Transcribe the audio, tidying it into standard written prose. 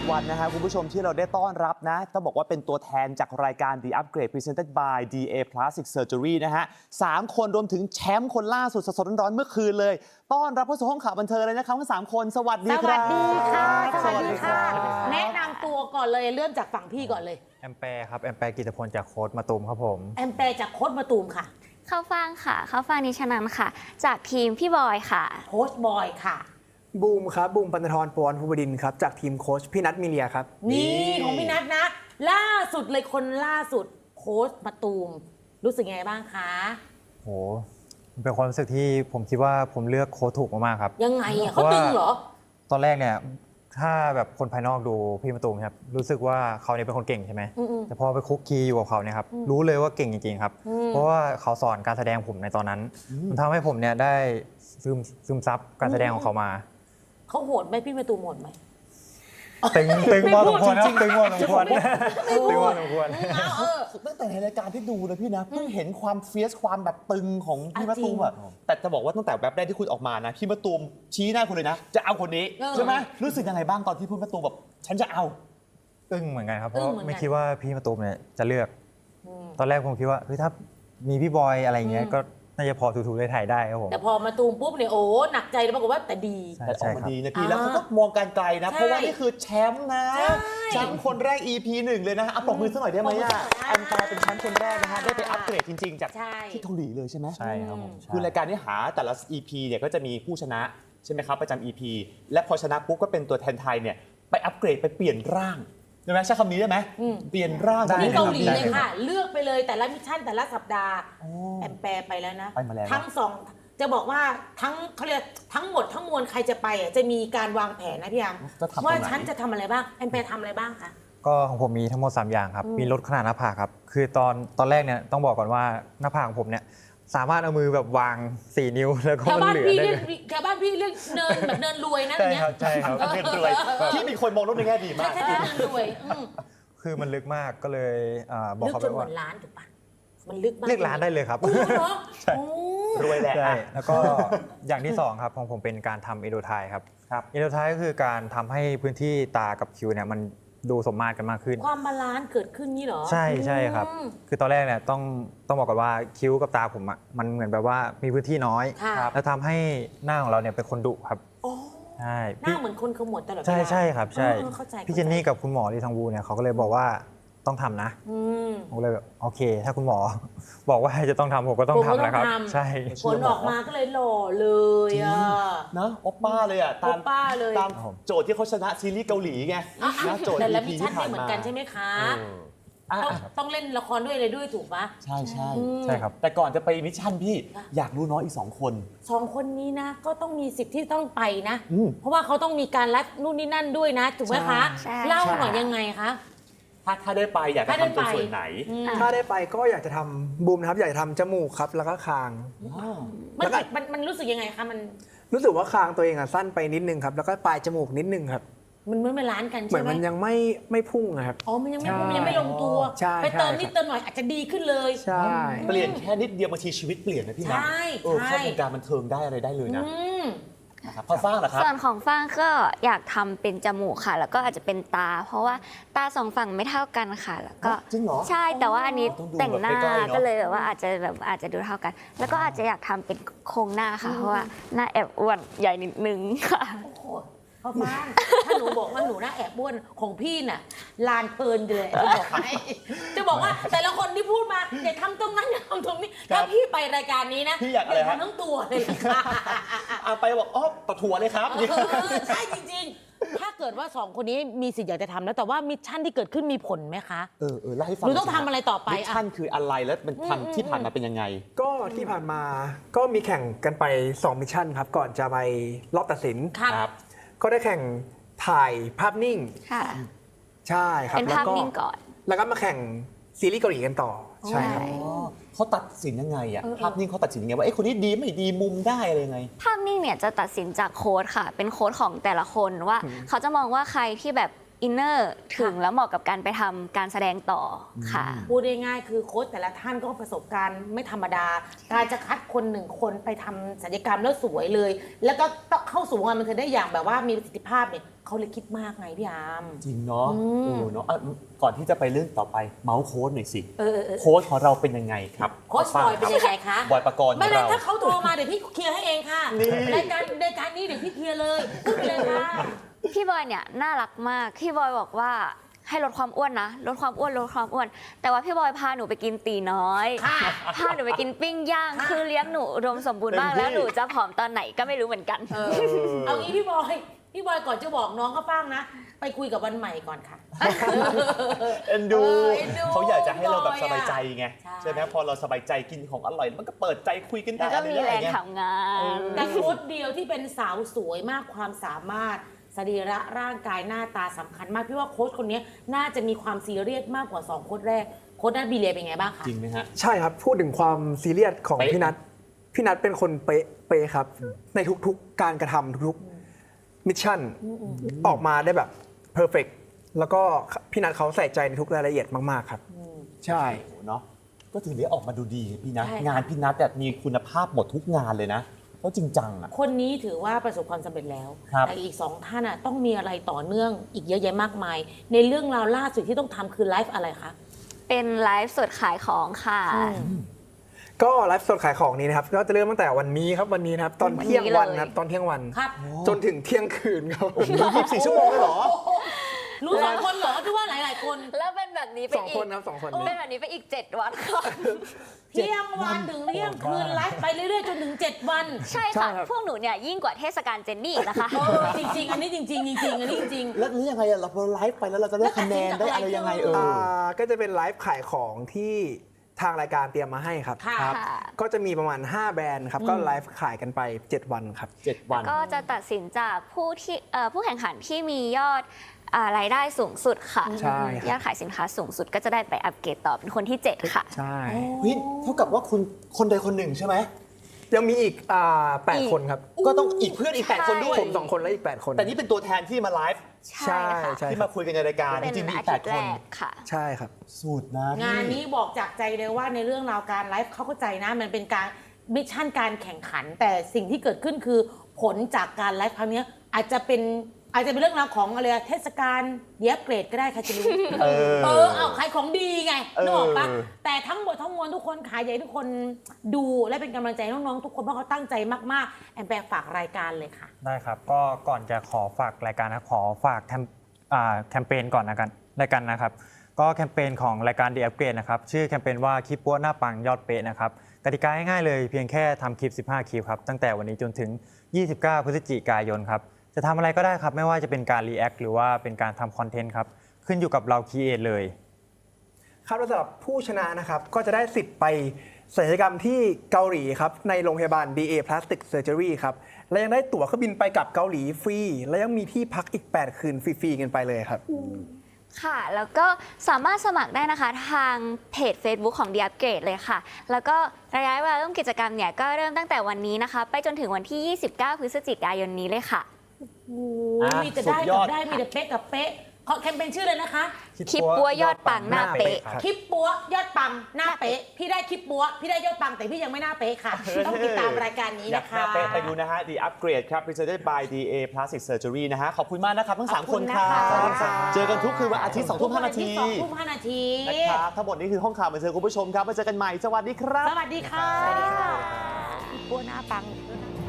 วันนะฮะคุณผู้ชมที่เราได้ต้อนรับนะต้องบอกว่าเป็นตัวแทนจากรายการ The Upgrade Presented by DA Plastic Surgery นะฮะ3 คนรวมถึงแชมป์คนล่าสุดสดๆร้อนๆเมื่อคืนเลยต้อนรับเข้าสู่ห้องข่าวบันเทิงเลยนะครับทั้ง3 คนสวัสดีครับสวัสดีค่ะสวัสดีค่ะแนะนำตัวก่อนเลยเริ่มจากฝั่งพี่ก่อนเลยแอมแปร์ครับแอมแปร์กิตพลจากโค้ดมาตูมครับผมแอมแปร์จากโค้ชมาตูมค่ะเข้าฟังค่ะ เข้าฟังนิชนันท์ค่ะ จากทีมพี่บอยค่ะโค้ชบอยค่ะบูมครับบูมปันธรปวรภูบดินทร์ครับจากทีมโค้ชพี่นัทมีเลียครับนี่ของพี่นัทนะ ล่าสุดเลยคนล่าสุดโค้ชมาตูมรู้สึกยังไงบ้างคะโหมันเป็นความรู้สึกที่ผมคิดว่าผมเลือกโค้ดถูกมากๆครับยังไงอ่ะเขาตึงเหรอตอนแรกเนี่ยถ้าแบบคนภายนอกดูพี่มาตูมครับรู้สึกว่าเขาเนี่ยเป็นคนเก่งใช่ไหมอืมแต่พอไปคุกคีอยู่กับเขาเนี่ยครับรู้เลยว่าเก่งจริงๆครับ เพราะว่าเขาสอนการแสดงผมในตอนนั้นมันทำให้ผมเนี่ยได้ซึมซับการแสดงของเขามาเขาโหดไหมพี่มาตูมโหดไหมตึงพอสมควรครับตึงพอสมควรตึงพอสมควรตั้งแต่ในรายการที่ดูนะพี่นะเพิ่งเห็นความเฟียสความแบบตึงของพี่มะตูมอะแต่จะบอกว่าตั้งแต่แวบแรกที่คุณออกมานะพี่มะตูมชี้หน้าคุณเลยนะ จะเอาคนนี้ใช่ไหมรู้สึกยังไงบ้างตอนที่พี่มะตูมแบบฉันจะเอาอึ้งเหมือนกันครับเพราะไม่คิดว่าพี่มาตูมเนี่ยจะเลือก ตอนแรกผมคิดว่าเฮ้ยถ้ามีพี่บอยอะไรเงี้ยก็น่าจะพอถูๆได้ถ่ายได้ครับผมแต่พอมาตูมปุ๊บเนี่ยโอ้หนักใจเลยปรากฏว่าแต่ดีแต่ออกมาดีนะพี่อ่าแล้วเขาก็มองการไกลนะใช่เพราะว่านี่คือแชมป์นะใช่แชมป์คนแรก EP 1 เลยนะเอาปรบมือสักหน่อยได้ไหมอ่ะปรบมืออันแปลเป็นแชมป์คนแรกนะฮะได้ไปอัปเกรดจริงๆ จากใช่ที่เกาหลีเลยใช่ไหมใช่ครับผมใช่คือรายการนี้หาแต่ละ EP เนี่ยก็จะมีผู้ชนะใช่ไหมครับประจำ EP และพอชนะปุ๊บก็เป็นตัวแทนไทยเนี่ยไปอัปเกรดไปเปลี่ยนร่างใช่ไหมใช้คำนี้ได้ไหมเปลี่ยนร่างที่เกาหลีได้เลยค่ะ เลือกไปเลยแต่ละมิชชั่นแต่ละสัปดาห์แอมแปร์ไปแล้วนะไปมาแล้วทั้งสองจะบอกว่าทั้งเขาเรียกทั้งหมดทั้งมวลใครจะไปอ่ะจะมีการวางแผนนะพี่ยามจะทำตรงไหนว่าฉันจะทำอะไรบ้างแอมแปร์ทำอะไรบ้างคะก็ของผมมีทั้งหมด 3 อย่างครับ มีลดขนาดหน้าผากครับ คือตอนแรกเนี่ยต้องบอกก่อนว่าหน้าผากของผมเนี่ยสามารถเอามือแบบวาง 4 นิ้วแล้วก็แถวมันบ้านเหลือพี่ได้เรียเลกยแถวบ้านพี่เรียกเนินแบบเนินรวยนะอใช่ย่างเงี้คยรับใช่ครับเงินรวยที่มีคนมองโลกในแง่ดีมากใช่เนินรวยคือมันลึกมากก็เลยบอกลึกเขาจไปนเหมืว่าอนล้านถูกปะมันลึกมากเรียกร้านได้เลยครับโอ้โหเหรอโอ้รวยแหละใช่อ่ะแล้วก็อย่างที่ 2 ครับของผมเป็นการทำเอโดไทครับครับเอโดไทก็คือการทำให้พื้นที่ตากับคิ้วเนี่ยมันดูสมมาตรกันมากขึ้นความบาลานซ์เกิดขึ้นนี่เหรอใช่ครับอืมคือตอนแรกเนี่ยต้องบอกก่อนว่าคิ้วกับตาผมอ่ะมันเหมือนแบบว่ามีพื้นที่น้อยค่ะแล้วทำให้หน้าของเราเนี่ยเป็นคนดุครับโอ้ใช่หน้าเหมือนคนขมวดตลอดเวลาใช่ครับใช่เข้าใจพี่เจนนี่กับคุณหมอลีทองวูเนี่ยเขาก็เลยบอกว่าต้องทำนะอืมผมก็เลยแบบโอเค ถ้าคุณหมอ บอกว่าจะต้องทำผมก็ต้องผมก็ทำนะครับต้องทำใช่ผลออกมาก็เลยหล่อเลยอ่ะนะโอปป้าเลยอ่ะโอปป้าเลยตามโจทย์ที่เขาชนะซีรีส์เกาหลีไงนะโจทย์แต่ละ EP มิชชั่ที่นผ่าไม่นเหมือมานกันใช่ไหมคะอ่ะต้องเล่นละครด้วยอะไรด้วยถูกปะใช่ใช่ใช่ครับแต่ก่อนจะไปมิชชั่นพี่อยากรู้น้องอีก 2 คนสองคนนี้นะก็ต้องมีสิทธิ์ที่ต้องไปนะอืมเพราะว่าเขาต้องมีการรัดนู่นนี่นั่นด้วยนะถูกไหมคะใช่เล่าหน่อยยังไงคะถ้าได้ไปอยากจะถ้าได้ทำตรงไปส่วนไหนถ้าได้ไปก็อยากจะทำบูมนะครับอยากจะทำจมูกครับแล้วก็คางมันรู้สึกยังไงคะมันรู้สึกว่าคางตัวเองอะสั้นไปนิดนึงครับแล้วก็ปลายจมูกนิดนึงครับมันไม่ล้านกันเหมืใช่อนไหมมันยังไม่พุ่งนะครับอ๋อมันยังไม่ใช่มันยังไม่ลงตัวใช่ไปเติมใช่นิดเติมหน่อยอาจจะดีขึ้นเลยใช่เปลี่ยนแค่นิดเดียวบางทีชีวิตเปลี่ยนนะพี่นะใช่เข้าวงการบันเทิงได้อะไรได้เลยนะอืมนะครับพอฟ้างเหรอครับส่วนของฟางก็อยากทำเป็นจมูกค่ะ แล้วก็อาจจะเป็นตา เพราะว่าตาสองฝั่งไม่เท่ากันค่ะ แล้วก็จริงเหรอใช่แต่ว่าอันนี้ต้องดูแต่งหน้าแบบใกล้ๆเนอะก็เลยแบบว่าอาจจะดูเท่ากัน แล้วก็อาจจะอยากทำเป็นโครงหน้าค่ะ เพราะว่าหน้าแอบอ้วนใหญ่นิดนึงค่ะโอ้โหพ่อฟ้างถ้าหนูบอกว่าหนูน่าแอบบ้วนของพี่น่ะลานเพลินเลยจะบอกให้จะบอกว่าแต่ละคนที่พูดมาอย่าทำตรงนั้นอย่าทำตรงนี้ครัถ้าบพี่ไปรายการนี้นะพี่อยากอะไรฮะทำทั้งตัวเลยค่ะเอาไปบอกอ๋อปะถั่วเลยครับใช่จริงๆ ถ้าเกิดว่าสองคนนี้มีสิทธิ์อยากจะทำแล้วแต่ว่ามิชชั่นที่เกิดขึ้นมีผลไหมคะเล่าให้ฟังหนูต้องทำอะไรต่อไปมิชชั่นคืออะไรแล้วมันอืมทำที่ผ่านมาเป็นยังไงก็ที่ผ่านมาก็มีแข่งกันไป2มิชชั่นครับก่อนจะไปรอบตัดสินครับก็ได้แข่งถ่ายภาพนิ่งค่ะใช่ครับเป็นภาพนิ่งก่อนแล้วก็มาแข่งซีรีส์เกาหลีกันต่อใช่ครับเขาตัดสินยังไงอะภาพนิ่งเขาตัดสินยังไงว่าคนนี้ดีไม่ดีมุมได้อะไรยังไงภาพนิ่งเนี่ยจะตัดสินจากโค้ดค่ะ เป็นโค้ดของแต่ละคนว่าเขาจะมองว่าใครที่แบบอินเนอร์ถึงแล้วเหมาะกับการไปทำการแสดงต่อค่ะพูดง่ายๆคือโค้ชแต่ละท่านก็ประสบการณ์ไม่ธรรมดา การจะคัดคนหนึ่งคนไปทำศัลยกรรมแล้วสวยเลย แล้วก็เข้าสู่วงการบันเทิงได้อย่างแบบว่ามีประสิทธิภาพเนี่ยเขาเลยคิดมากไงพี่อาร์มจริงเนาะอืมเนาะก่อนที่จะไปเรื่องต่อไปเมาส์โค้ดหน่อยสิเออโค้ดของเราเป็นยังไงครับโค้ชบอยเป็นยังไงคะบอยปกรณ์ขไม่องเป็นเราถ้าเขาโทรมาเดี๋ยวพี่เคลียร์ให้เองค่ะนี่รายการนี้เดี๋ยวพี่เคลียร์เลยพูดไปเลยค่ะพี่บอยเนี่ยน่ารักมาก พี่บอยบอกว่าให้ลดความอ้วนนะ ลดความอ้วน ลดความอ้วน แต่ว่าพี่บอยพาหนูไปกินตีน้อยค่ะพาหนูไปกินปิ้งย่าง คือเลี้ยงหนูอุดมสมบูรณ์มาก แล้วหนูจะผอมตอนไหนก็ไม่รู้เหมือนกันเอางี้พี่บอยก่อนจะบอกน้องก็ป้างนะ ไปคุยกับวันใหม่ก่อนค่ะเอ็นดูเอ็นดูเขาอยากจะให้เราแบบสบายใจไงใช่ใช่ไหมพอเราสบายใจกินของอร่อยมันก็เปิดใจคุยกันได้แล้วก็มีแรงเยทำงานแต่โค้ชเดียวที่เป็นสาวสวยมากความสามารถสรีระร่างกายหน้าตาสำคัญมากพี่ว่าโค้ชคนนี้น่าจะมีความซีเรียสมากกว่า2โค้ชแรกโค้ชนัทบีเลียเป็นไงบ้างคะจริงไหมฮะใช่ครับ พูดถึงความซีเรียสของเป๊ะพี่นัทเป็นคนเป๊ะครับ ในทุกๆการกระทำทุกๆมิชชั่นออกมาได้แบบเพอร์เฟกแล้วก็พี่นัทเขาใส่ใจในทุกรายละเอียดมากๆครับ ใช่โอ้โหเนาะก็ถือได้ออกมาดูดีพี่นะใช่ค่ะงานพี่นัทแบบมีคุณภาพหมดทุกงานเลยนะแล้วจริงจังอ่ะคนนี้ถือว่าประสบความสำเร็จแล้วครับแต่อีก2ท่านอ่ะต้องมีอะไรต่อเนื่องอีกเยอะแยะมากมาย ในเรื่องราวล่าสุดที่ต้องทำคือไลฟ์อะไรคะเป็นไลฟ์สดขายของค่ะก็ไลฟ์สดขายของนี้นะครับ ก็จะเริ่มตั้งแต่วันนี้ครับวันนี้นะครับ ตอนเที่ยงวันนะครับตอนเที่ยงวันครับจนถึงเที่ยงคืนครับ 24 ชั่วโมงเลยเหรอรู้2คนเหรอที่ว่าหลายๆคนแล้วเป็นแบบนี้ไปสองอีคกนครับ2 คนเป็นแบบนี้ไปอีก 7 วันค่ะเที่ยงวันถึงเที่ยงคืนไลฟ์ไปเรื่อยๆจนถึง7 วันใช่ใช่ค่ะครับพวกหนูเนี่ยยิ่งกว่าเทศกาลเจนนี่อีกนะคะจริงๆ อันนี้จริงๆจริงๆอันนี้จริงแล้วยังไงอะเราพอไลฟ์ไปแล้วเราจะได้คะแนนได้อะไรยังไงก็จะเป็นไลฟ์ขายของที่ทางรายการเตรียมมาให้ครับค่ะครับค่ะก็จะมีประมาณ 5 แบรนด์ครับ ก็ไลฟ์ขายกันไป 7 วันครับ 7 วันก็จะตัดสินจากผู้แข่งขันที่มียอดรายได้สูงสุดค่ะใช่ครับยอดขายสินค้าสูงสุดก็จะได้ไปอัปเกรดต่อเป็นคนที่ 7 ค่ะใช่เฮ้ยเท่ากับว่าคุณคนใดคนหนึ่งใช่ไหมยังมีอีก8 คนครับก็ต้องอีกเพื่อนอีก 8 คนด้วยผม2 คนและอีก 8 คนแต่นี่เป็นตัวแทนที่มาไลฟ์ใช่ค่ะใช่ที่มาคุยกันในรายการจเป็นริงๆมีอีอาก ทิตย์ 8 แรคนกค่ะใช่ครับสุดนะพี่งานนี้บอกจากใจเลยว่าในเรื่องราวการไลฟ์เขาเข้าใจนะ มันเป็นการมิชชั่นการแข่งขัน แต่สิ่งที่เกิดขึ้นคือผลจากการไลฟ์ครั้งนี้อาจจะเป็นเรื่องราวของอะไรเทศกาลเดียบเกรดก็ได้ใครจะรู้ เอาขายของดีไงนึกออกปะแต่ทั้งหมดทั้งมวลทุกคนขายใหญ่ทุกคนดูและเป็นกำลังใจให้น้องๆทุกคนเพราะเขาตั้งใจมากๆแอนแปลฝากรายการเลยค่ะได้ครับ ก็ก่อนจะขอฝากรายการนะขอฝากแคมเปญก่อนนะครับ ก็แคมเปญของรายการ The Upgrade นะครับชื่อแคมเปญว่าคลิปปัวหน้าปังยอดเป๊ะนะครับกติกาง่ายๆเลยเพียงแค่ทำคลิป 15 คลิปครับตั้งแต่วันนี้จนถึง 29 พฤศจิกายนครับจะทำอะไรก็ได้ครับไม่ว่าจะเป็นการรีแอคหรือว่าเป็นการทำคอนเทนต์ครับขึ้นอยู่กับเราคีเอทเลยครับสำหรับผู้ชนะนะครับก็จะได้สิทธิ์ไปศัลยกรรมที่เกาหลีครับในโรงพยาบาล DA Plastic Surgery ครับและยังได้ตั๋วเครื่องบินไปกับเกาหลีฟรี และยังมีที่พักอีก 8 คืนฟรีๆกันไปเลยครับค่ะ แล้วก็สามารถสมัครได้นะคะทางเพจ Facebook ของ The Upgrade เลยค่ะ แล้วก็ระยะเวลาเริ่มกิจกรรมเนี่ยก็เริ่มตั้งแต่วันนี้นะคะ ไปจนถึงวันที่ 29 พฤศจิกายนนี้เลยค่ะมีแต่ได้กับได้มีแต่เป๊ะกับเป๊ะขอแคมเปญชื่อเลยนะคะคลิปปัวยอดปังหน้าเป๊ะคลิปปัวยอดปังหน้าเป๊ะพี่ได้คลิปปัวพี่ได้ยอดปังแต่พี่ยังไม่หน้าเป๊ะค่ะ ต้องติดตามรายการนี้อยากนะหน้าคะเป๊ะไปดูนะฮะ The Upgrade ครับ Presented by DA Plastic Surgery นะฮะ ขอบคุณมากนะครับ ทั้ง 3 คนครัขอบคุณนะคะบ เจอกันทุกคืนวันอาทิตย์ 2 ทุ่ม 5 นาที 2 ทุ่ม 5 นาทีนะครับทั้งหมดนี้คือห้องข่าวบันเทิงคุณผู้ชมครับมาเจอกันใหม่ สวัสดีครับสวัสดีค่ะปัวหน้าปัง